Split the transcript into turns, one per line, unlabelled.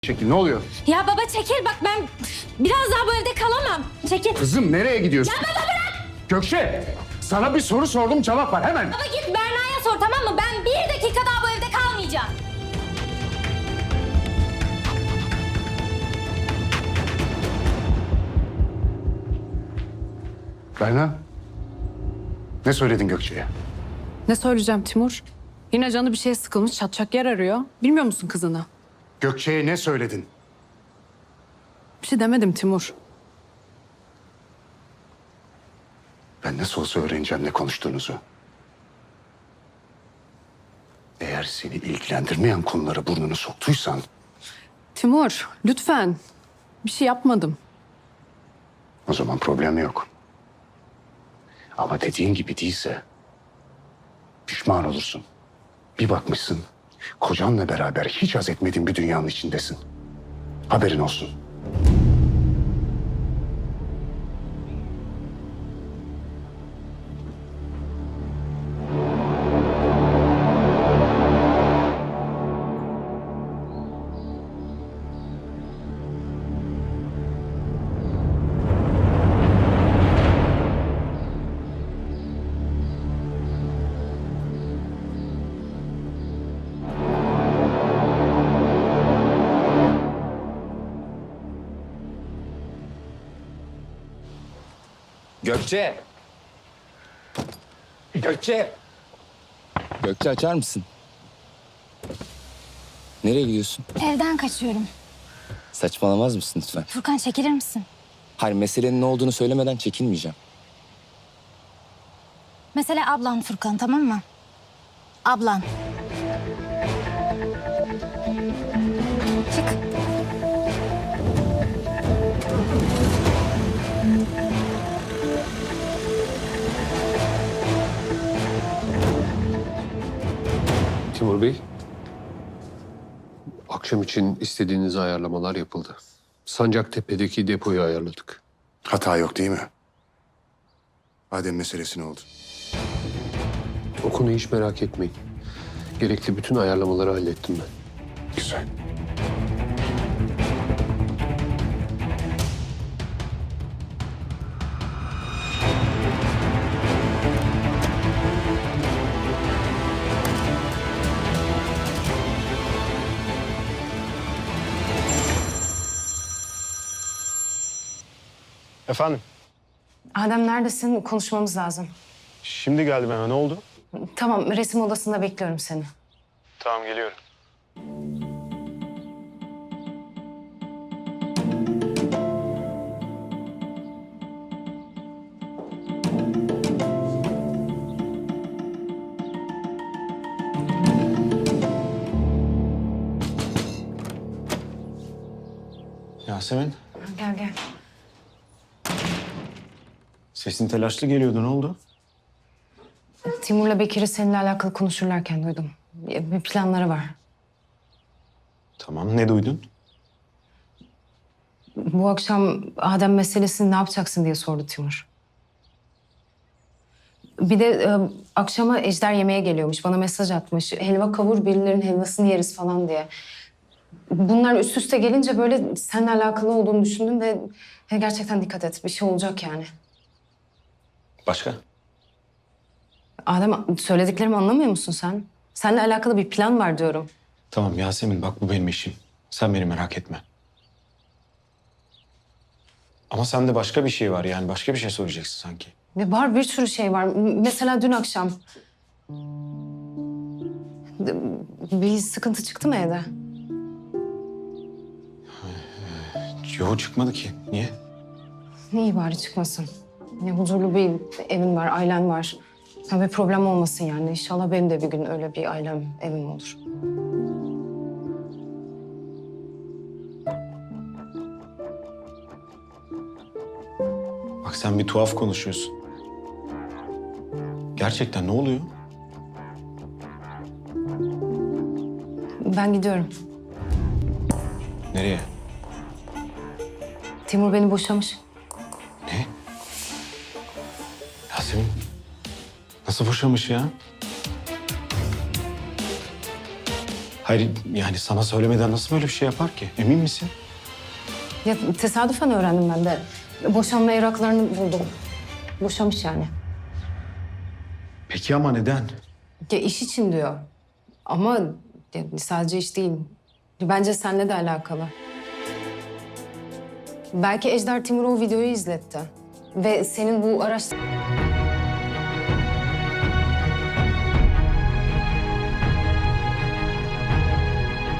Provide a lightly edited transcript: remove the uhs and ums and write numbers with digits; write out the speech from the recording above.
Şekil ne oluyor?
Ya baba çekil bak ben biraz daha bu evde kalamam. Çekil.
Kızım nereye gidiyorsun?
Ya baba bırak.
Gökçe sana bir soru sordum cevap ver hemen.
Baba git Berna'ya sor tamam mı? Ben bir dakika daha bu evde kalmayacağım.
Berna ne söyledin Gökçe'ye?
Ne söyleyeceğim Timur? Yine canı bir şeye sıkılmış, çatacak yer arıyor. Bilmiyor musun kızını?
Gökçe'ye ne söyledin?
Bir şey demedim Timur.
Ben nasıl olsa öğreneceğim ne konuştuğunuzu. Eğer seni ilgilendirmeyen konulara burnunu soktuysan...
Timur, lütfen. Bir şey yapmadım.
O zaman problem yok. Ama dediğin gibi değilse pişman olursun. Bir bakmışsın kocanla beraber hiç haz etmediğin bir dünyanın içindesin. Haberin olsun.
Gökçe! Gökçe! Gökçe açar mısın? Nereye gidiyorsun?
Evden kaçıyorum.
Saçmalamaz mısın lütfen?
Furkan çekilir misin?
Hayır, meselenin ne olduğunu söylemeden çekinmeyeceğim.
Mesele ablan Furkan tamam mı? Ablan. Çık.
Timur Bey, akşam için istediğiniz ayarlamalar yapıldı. Sancaktepe'deki depoyu ayarladık.
Hata yok değil mi? Adem meselesi ne oldu?
O konuyu hiç merak etmeyin. Gerekli bütün ayarlamaları hallettim ben.
Güzel.
Efendim?
Adem neredesin? Konuşmamız lazım.
Şimdi geldim hemen. Ne oldu?
Tamam, resim odasında bekliyorum seni.
Tamam, geliyorum. Yasemin,
Gel gel.
sesin telaşlı geliyordu. Ne oldu?
Timur'la Bekir'i seninle alakalı konuşurlarken duydum. Bir planları var.
Tamam, ne duydun?
Bu akşam Adem meselesini ne yapacaksın diye sordu Timur. Bir de akşama Ejder yemeğe geliyormuş. Bana mesaj atmış. Helva kavur, birilerinin helvasını yeriz falan diye. Bunlar üst üste gelince böyle seninle alakalı olduğunu düşündüm ve gerçekten dikkat et. Bir şey olacak yani.
Başka?
Adem, söylediklerimi anlamıyor musun sen? Seninle alakalı bir plan var diyorum.
Tamam Yasemin, bak bu benim işim. Sen beni merak etme. Ama sende başka bir şey var yani. Başka bir şey soracaksın sanki.
Ve var bir sürü şey var. Mesela dün akşam. Bir sıkıntı çıktı mı evde?
Yok, çıkmadı ki. Niye?
İyi bari çıkmasın. Ne huzurlu bir evin var, ailen var. Ya bir problem olmasın yani. İnşallah benim de bir gün öyle bir ailem, evim olur.
Bak sen bir tuhaf konuşuyorsun. Gerçekten ne oluyor?
Ben gidiyorum.
Nereye?
Timur beni boşamış.
Ne? Yasemin, nasıl boşamış ya? Hayır yani sana söylemeden nasıl böyle bir şey yapar ki? Emin misin?
Ya tesadüfen öğrendim ben de. Boşanma evraklarını buldum. Boşamış yani.
Peki ama neden?
Ya iş için diyor. Ama ya sadece iş değil. Bence seninle de alakalı. Belki Ejder Timur'a o videoyu izletti. Ve senin bu araç...